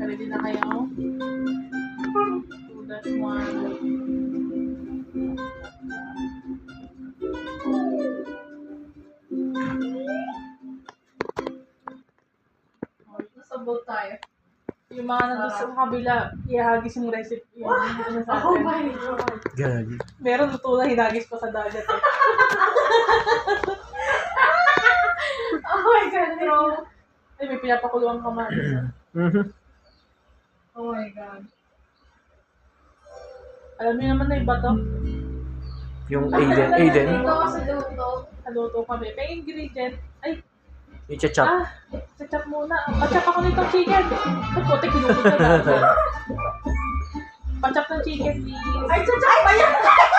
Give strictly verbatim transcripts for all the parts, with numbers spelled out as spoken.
Ready na kayo? two dash one. Nasabot tayo. Yung mga nandun sa kabila, ihagis yung recipe. Yung ano sa Oh atin. my God. Gagi. Meron luto na hinagis pa sa dagat eh. Oh my God, bro. Ay, may pinapakuluang kamatis. ah. Mhm. Oh my God. Alam niyo naman na iba to. Yung Aiden. Aiden. Dito ako sa luto. Naluto kami. May ingredient. Ay, I-chop. ah, sa-chop muna. Pa-chop ako nitong chicken. Ay, puti, kinupit ka na. Pa-chop ng chicken, please. Ay, tsatsak pa yan!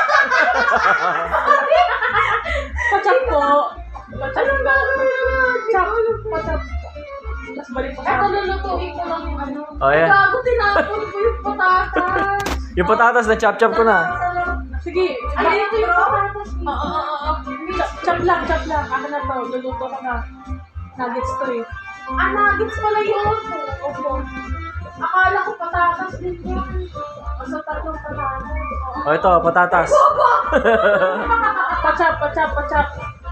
Pa-chop po. Pa-chop po. Chop. Pa-chop. Tapos balik pa sa Eto, lulutuin ko lang yung ano. Oh, Ay, yeah. gago, tinapon ko yung patatas. Yung patatas na chop-chop ko na. Sige. Ay, ito yung patatas. Oo, oo, oo. Chop, chop lang, chop lang. Ako na to. Luluto ko na. Nuggets to eh. Ah, nuggets pala yun. Opo. Akala ko patatas din yun. Basta tatlong patatas. Oo. Oh, ito, patatas. Pa-chop, pa-chop, pa-chop.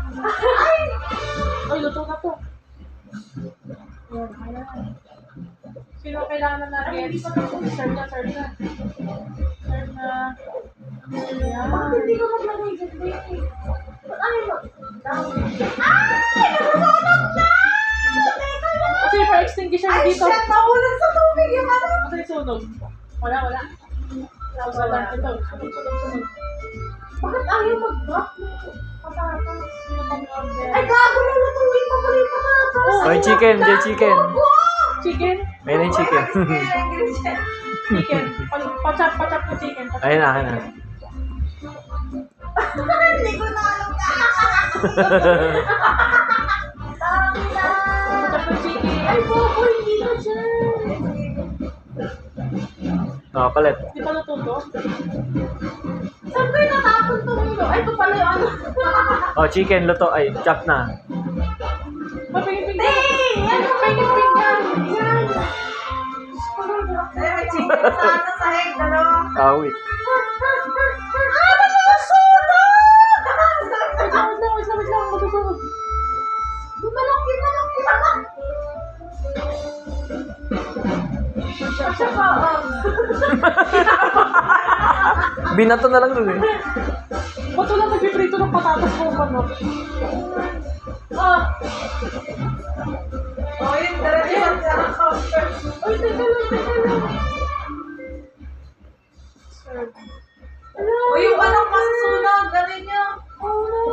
Ay, luto na to. Ayan, ayan. Sino kailangan na nuggets? Serve na, serve na. Serve na. Ayan. Bakit hindi ko maglagay dyan, baby? Ba't ano yun? Ay! Nasusunog na! Teka lang! Kasi for extinguisher Ay, dito. shit! Nahulog sa tubig yung ano! Kasi sunog. Wala, wala. Wala, wala. Ito, sunog, sunog, sunog. Bakit ayaw mag-drop ng patatas? Sino pang order? Ay, gago na lutuin pa pala yung patatas! Oh, yung chicken, yung chicken. Chicken? Ayun yung chicken. Chicken. Pa- Pa-chop, pa-chop ng chicken. Pa-chop Ayun na, ng ayun na. chicken. Hindi ko na alam ka! Dami na! Pa-chop ng chicken. Ay, bobo, hindi na dyan! Oh, palit. Di pa luto to? Saan ko yung natapon tong ilo? Ay, ito pala yung ano. Oh, chicken, luto. Ay, chop na. Mapingin-pinggan. Hey! Ano ba yung pinggan? Yan! Ay, may chicken sa ano sa egg, dalawa. Ah, wait. Ah, nasusunog! Wait lang, wait lang, wait lang, wait lang. Masusunod. Manok yun, manok yun, manok! Asya pa, oh. Binato na lang dun eh. Ba't wala nagpiprito ng patatas mo manok? Oh. Oh, yun, diretso sa counter. Uy, teka lang, teka lang. Serve. Uy, yung manok masusunog, galing nyo. Oh, no.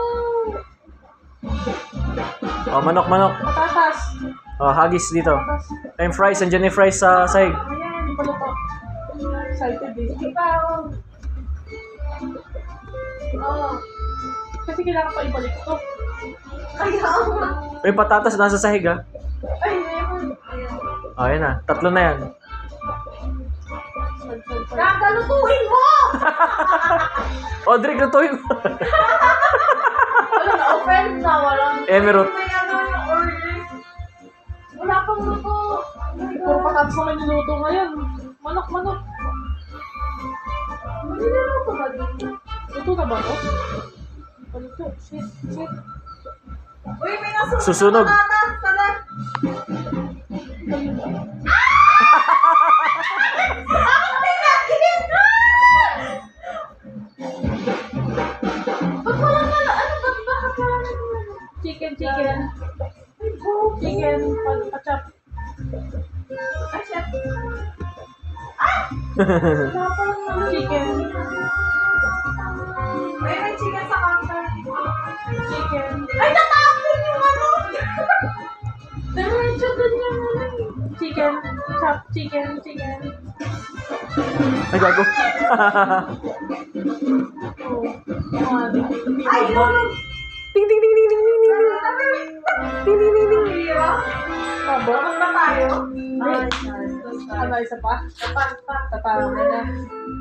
Oh, manok, manok. Patatas. Oh, hagis dito. Patatas. Ay, yung fries. Andyan yung fries sa sahig. Ayan, di pa luto. Excited eh. Hindi pa, oh. Oh. Kasi kailangan pa ibalik to. Ay, oo. Ay, patatas nasa sahig ah. Ay, meron. Ayan. Oh, yan na. Tatlo na yan. Serve, serve, serve. Kakalutuin mo! Oh, Drake, lutuin mo. Wala na, offend na, walang... Emerald. May ano yung order. Wala pang luto. Puro patatas naman yung luto ngayon. Manok, manok. Maniluluto ba dito? Luto na ba to? Paluto. Shit, shit. Uy, may nasunog. Susunog. na patatas, tala. Bakit may natin? Ba't wala na, ano, ba't bakit wala na naman? Chicken, chicken. Ay, bobo. Chicken, pa-chop. Ay, chef. Wala pa lang mga chicken. May may chicken sa counter. Chicken. Ay, natapon yung ano! Diretso dun yung ano. Chicken. Chop, chicken, chicken. Ay, gago. Oh. Ah, di ko Ay, yun! Ding, ding, ding, ding, ding, ding, ding. Ding, ding, ding, ding. Tabo. Bakit na tayo? Ano, isa pa? Tapan pa. Tatawag na.